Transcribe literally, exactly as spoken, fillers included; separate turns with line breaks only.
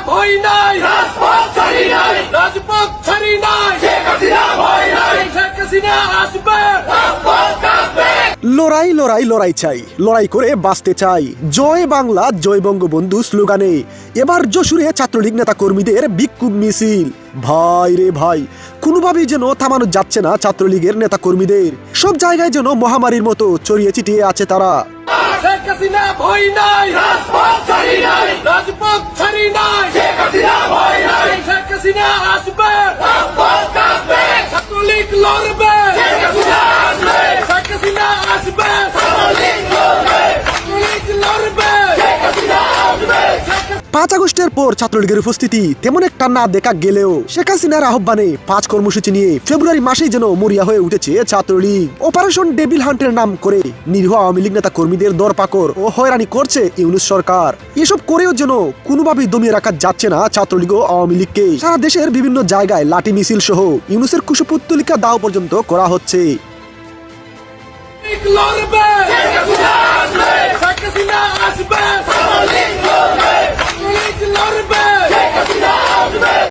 ভয় নাই, রাজপথ ছাড়ি নাই, রাজপথ ছাড়ি নাই, শেখ হাসিনা ভয় নাই, শেখ হাসিনা আসবে, রাজপথ কাঁপবে।
লড়াই লড়াই লড়াই চাই, লড়াই করে বাঁচতে চাই। জয় বাংলা জয় বঙ্গবন্ধু স্লোগানে এবার যশোরে ছাত্রলীগ নেতা কর্মীদের বিক্ষোভ মিছিল। ভাই রে ভাই, কোনোভাবেই যেন থামানো যাচ্ছে না ছাত্রলীগের নেতা কর্মীদের। সব জায়গায় যেন মহামারীর মতো ছড়িয়ে ছিটিয়ে আছে তারা।
শেখ হাসিনা ভয় নাই, রাজপথ ছাড়ি নাই, রাজপথ ছাড়ি নাই, শেখ হাসিনা ভয় নাই, শেখ হাসিনা আসবে, রাজপথ কাঁপবে। ছাত্রলীগ লড়বে, শেখ হাসিনা আসবে, শেখ হাসিনা আসবে, ছাত্রলীগ লড়বে, ছাত্রলীগ লড়বে, শেখ হাসিনা আসবে।
পাঁচ আগস্টের পর ছাত্রলীগের উপস্থিতি তেমন একটা না দেখা গেলেও শেখ হাসিনার আহ্বানে পাঁচ কর্মসূচি নিয়ে ফেব্রুয়ারি মাসেই যেন মরিয়া হয়ে উঠেছে ছাত্রলীগ। অপারেশন ডেভিল হান্টের নাম করে নিরীহ আওয়ামী লীগ নেতা কর্মীদের দরপাকড় ও হয়রানি করছে ইউনূস সরকার। এসব করেও যেন কোনোভাবেই দমিয়ে রাখা যাচ্ছে না ছাত্রলীগ ও আওয়ামী লীগকে। সারা দেশের বিভিন্ন জায়গায় লাঠি মিছিল সহ ইউনূসের কুশপুত্তলিকা দাও পর্যন্ত করা হচ্ছে।
লড়বে, শেখ হাসিনা আসবে, শেখ হাসিনা আসবে।